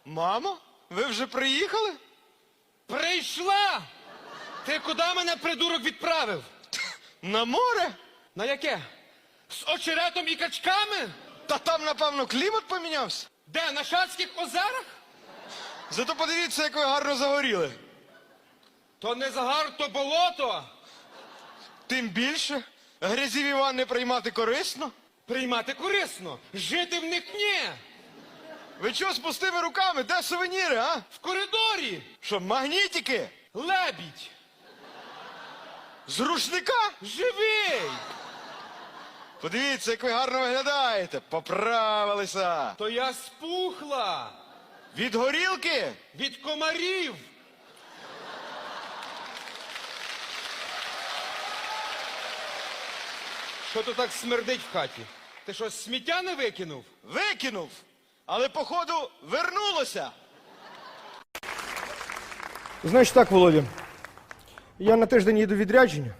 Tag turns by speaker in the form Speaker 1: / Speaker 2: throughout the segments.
Speaker 1: Мамо, ви вже приїхали?
Speaker 2: Прийшла! Ти куди мене, придурок, відправив?
Speaker 1: На море?
Speaker 2: На яке? З очеретом і качками?
Speaker 1: Та там, напевно, клімат помінявся.
Speaker 2: Де, на Шацьких озерах?
Speaker 1: Зато подивіться, як ви гарно загоріли.
Speaker 2: То не загар, то болото.
Speaker 1: Тим більше, грязіві ванни приймати корисно.
Speaker 2: Приймати корисно, жити в них ні.
Speaker 1: Ви чого з пустими руками? Де сувеніри, а?
Speaker 2: В коридорі
Speaker 1: Що, магнітики?
Speaker 2: лебідь,
Speaker 1: З рушника?
Speaker 2: живий.
Speaker 1: Подивіться, як ви гарно виглядаєте. Поправилися.
Speaker 2: То я спухла
Speaker 1: Від горілки?
Speaker 2: від комарів. Що то так смердить в хаті? Ти що, сміття не викинув?
Speaker 1: Викинув. Але, походу, вернулося.
Speaker 3: Значить так, Володя. Я на тиждень їду в відрядження.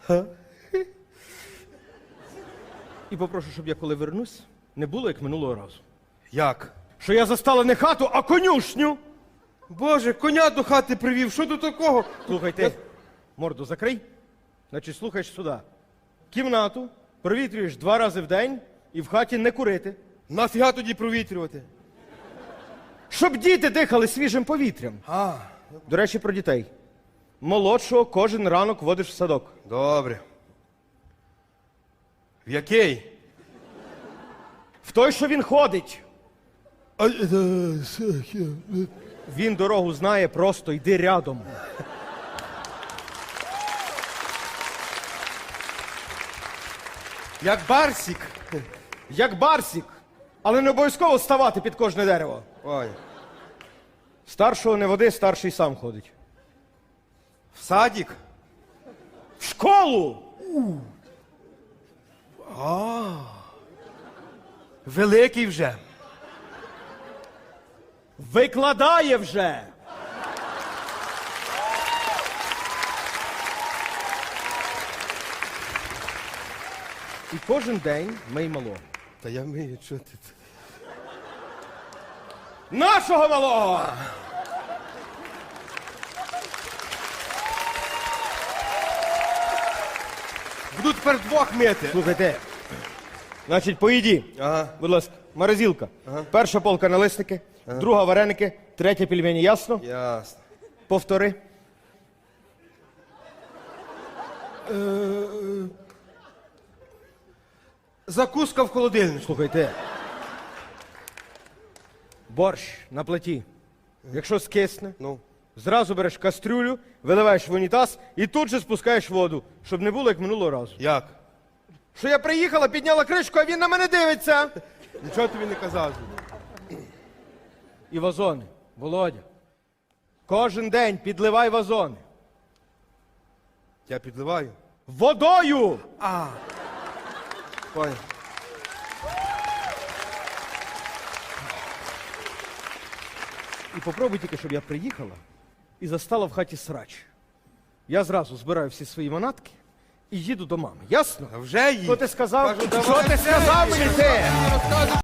Speaker 3: І попрошу, щоб я коли вернусь, не було як минулого разу.
Speaker 4: Як?
Speaker 3: Що я застала не хату, а конюшню.
Speaker 4: Боже, коня до хати привів, що тут такого?
Speaker 3: Слухай, ти морду закрий. Значить, слухаєш сюди. Кімнату провітрюєш 2 рази в день і в хаті не курити.
Speaker 4: Нафіга тоді провітрювати?
Speaker 3: Щоб діти дихали свіжим повітрям. До речі, про дітей. Молодшого кожен ранок водиш в садок.
Speaker 4: Добре. В який?
Speaker 3: В той, що він ходить. Він дорогу знає, просто йди рядом.
Speaker 4: Як барсік.
Speaker 3: Як барсік. Але не обов'язково ставати під кожне дерево.
Speaker 4: Ой.
Speaker 3: Старшого не води, старший сам ходить.
Speaker 4: В садік?
Speaker 3: В школу!
Speaker 4: Великий вже.
Speaker 3: Викладає вже! І кожен день мий малого.
Speaker 4: Та я вмію, що ти.
Speaker 3: Нашого малого!
Speaker 4: Буду тепер 2 мити.
Speaker 3: Слухайте. Значить, поїді.
Speaker 4: Ага.
Speaker 3: Будь ласка, морозилка. Перша полка налисники, друга вареники, третя пельмені, ясно?
Speaker 4: Ясно.
Speaker 3: Повтори.
Speaker 4: Закуска в холодильнику.
Speaker 3: Слухайте. Борщ на плиті. Якщо скисне,
Speaker 4: Ну.
Speaker 3: зразу береш кастрюлю, виливаєш в унітаз і тут же спускаєш воду, щоб не було як минулого разу.
Speaker 4: Як?
Speaker 3: Що я приїхала, підняла кришку, а він на мене дивиться.
Speaker 4: Нічого тобі не казав.
Speaker 3: І вазони. Володя. Кожен день підливай вазони.
Speaker 4: Я підливаю.
Speaker 3: Водою!
Speaker 4: Понял.
Speaker 3: І попробуй тільки, щоб я приїхала і застала в хаті срач. Я зразу збираю всі свої манатки і їду до мами. Ясно?
Speaker 4: А вже їй.
Speaker 3: Що ти сказав?
Speaker 4: Кажу,
Speaker 3: Що
Speaker 4: давай
Speaker 3: ти
Speaker 4: вже
Speaker 3: сказав
Speaker 4: їй.
Speaker 3: мені ти?